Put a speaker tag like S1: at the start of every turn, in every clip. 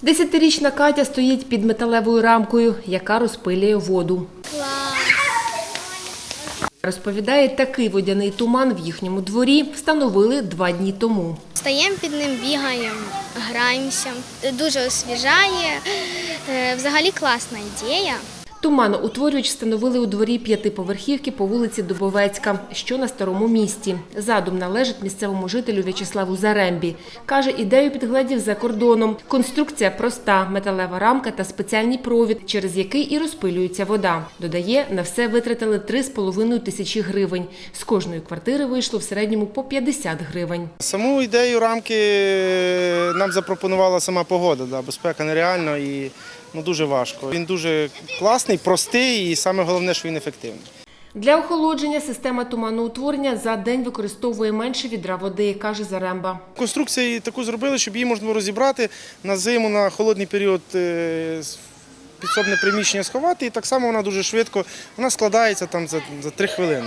S1: 10-річна Катя стоїть під металевою рамкою, яка розпилює воду. Розповідає, такий водяний туман в їхньому дворі встановили 2 дні тому.
S2: Стаємо під ним, бігаємо, граємося. Дуже освіжає. Взагалі класна ідея.
S1: Туманоутворювач встановили у дворі 5-поверхівки по вулиці Дубовецька, що на Старому місті. Задум належить місцевому жителю В'ячеславу Зарембі. Каже, ідею підгледів за кордоном. Конструкція проста – металева рамка та спеціальний провід, через який і розпилюється вода. Додає, на все витратили 3,5 тисячі гривень. З кожної квартири вийшло в середньому по 50 гривень.
S3: Саму ідею рамки нам запропонувала сама погода. Безпека нереальна і дуже важко. Він дуже класний, простий і саме головне, що він ефективний.
S1: Для охолодження система туманоутворення за день використовує менше відра води, каже Заремба.
S3: Конструкцію таку зробили, щоб її можна було розібрати на зиму, на холодний період підсобне приміщення сховати. І так само вона дуже швидко, вона складається там за 3 хвилини.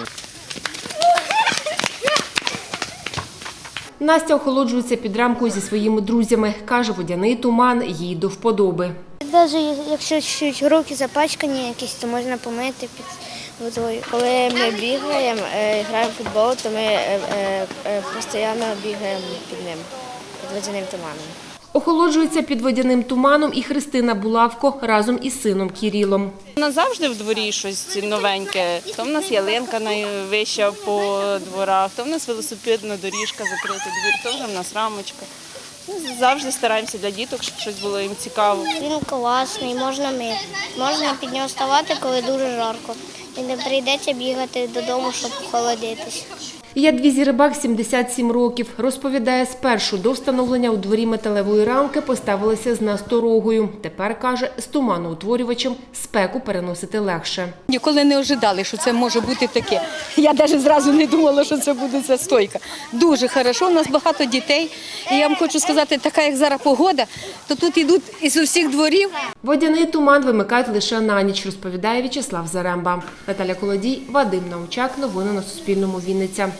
S1: Настя охолоджується під рамкою зі своїми друзями. Каже, водяний туман їй до вподоби.
S2: Навіть якщо чуть руки запачкані якісь, то можна помити під водою. Коли ми бігаємо, граємо в футбол, то ми постійно бігаємо під ним, під водяним туманом.
S1: Охолоджується під водяним туманом і Христина Булавко разом із сином Кірілом.
S4: У нас завжди в дворі щось новеньке. То в нас ялинка найвища по дворах, то в нас велосипедна доріжка, закритий двір, то вже в нас рамочка. Ми завжди стараємося для діток, щоб щось було їм цікаво.
S2: Він класний, можна мити. Можна під нього вставати, коли дуже жарко. І не прийдеться бігати додому, щоб охолодитись.
S1: Ядвізі Рибак, 77 років. Розповідає, спершу до встановлення у дворі металевої рамки поставилися з насторогою. Тепер, каже, з туманоутворювачем спеку переносити легше.
S5: Ніколи не ожидали, що це може бути таке. Я навіть зразу не думала, що це буде ця стойка. Дуже хорошо, у нас багато дітей. І я вам хочу сказати, така як зараз погода, то тут йдуть із усіх дворів.
S1: Водяний туман вимикають лише на ніч, розповідає В'ячеслав Заремба. Наталя Колодій, Вадим Научак. Новини на Суспільному. Вінниця.